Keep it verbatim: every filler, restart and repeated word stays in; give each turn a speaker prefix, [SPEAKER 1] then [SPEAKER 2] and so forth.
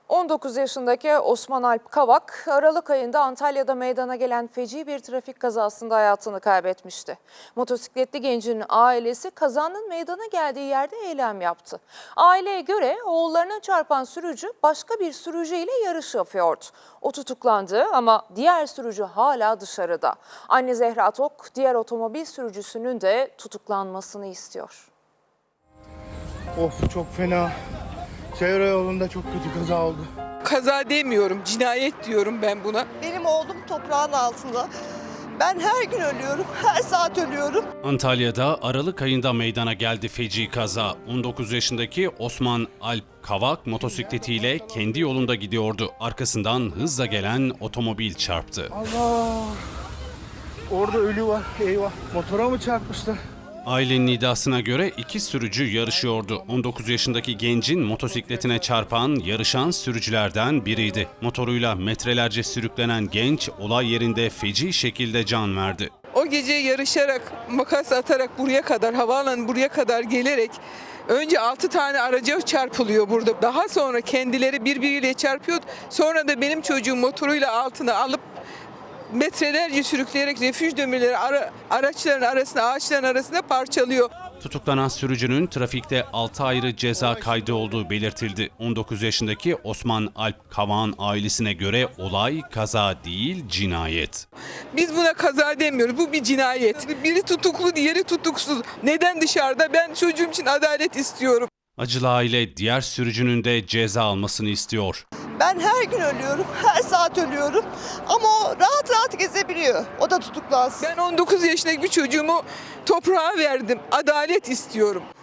[SPEAKER 1] on dokuz yaşındaki Osman Alp Kavak, Aralık ayında Antalya'da meydana gelen feci bir trafik kazasında hayatını kaybetmişti. Motosikletli gencin ailesi kazanın meydana geldiği yerde eylem yaptı. Aileye göre oğullarına çarpan sürücü başka bir sürücüyle yarış yapıyordu. O tutuklandı ama diğer sürücü hala dışarıda. Anne Zehra Tok, diğer otomobil sürücüsünün de tutuklanmasını istiyor.
[SPEAKER 2] Of, çok fena. Çevre yolunda çok kötü kaza oldu.
[SPEAKER 3] Kaza demiyorum, cinayet diyorum ben buna.
[SPEAKER 4] Benim oğlum toprağın altında. Ben her gün ölüyorum, her saat ölüyorum.
[SPEAKER 5] Antalya'da Aralık ayında meydana geldi feci kaza. on dokuz yaşındaki Osman Alp Kavak motosikletiyle kendi yolunda gidiyordu. Arkasından hızla gelen otomobil çarptı.
[SPEAKER 2] Allah! Orada ölü var. Eyvah. Motora mı çarpmışlar?
[SPEAKER 5] Ailenin iddiasına göre iki sürücü yarışıyordu. on dokuz yaşındaki gencin motosikletine çarpan, yarışan sürücülerden biriydi. Motoruyla metrelerce sürüklenen genç olay yerinde feci şekilde can verdi.
[SPEAKER 3] O gece yarışarak, makas atarak buraya kadar, havaalanı buraya kadar gelerek önce altı tane araca çarpılıyor burada. Daha sonra kendileri birbiriyle çarpıyor. Sonra da benim çocuğum motoruyla altına alıp metrelerce sürükleyerek refüj demirleri ara, araçların arasına, ağaçların arasına parçalıyor.
[SPEAKER 5] Tutuklanan sürücünün trafikte altı ayrı ceza kaydı olduğu belirtildi. on dokuz yaşındaki Osman Alp Kavak'ın ailesine göre olay kaza değil, cinayet.
[SPEAKER 3] Biz buna kaza demiyoruz, bu bir cinayet. Biri tutuklu, diğeri tutuksuz. Neden dışarıda? Ben çocuğum için adalet istiyorum.
[SPEAKER 5] Acılı aile diğer sürücünün de ceza almasını istiyor.
[SPEAKER 4] Ben her gün ölüyorum, her saat ölüyorum. Ama o rahat rahat gezebiliyor. O da tutuklansın.
[SPEAKER 3] Ben on dokuz yaşındaki bir çocuğumu toprağa verdim. Adalet istiyorum.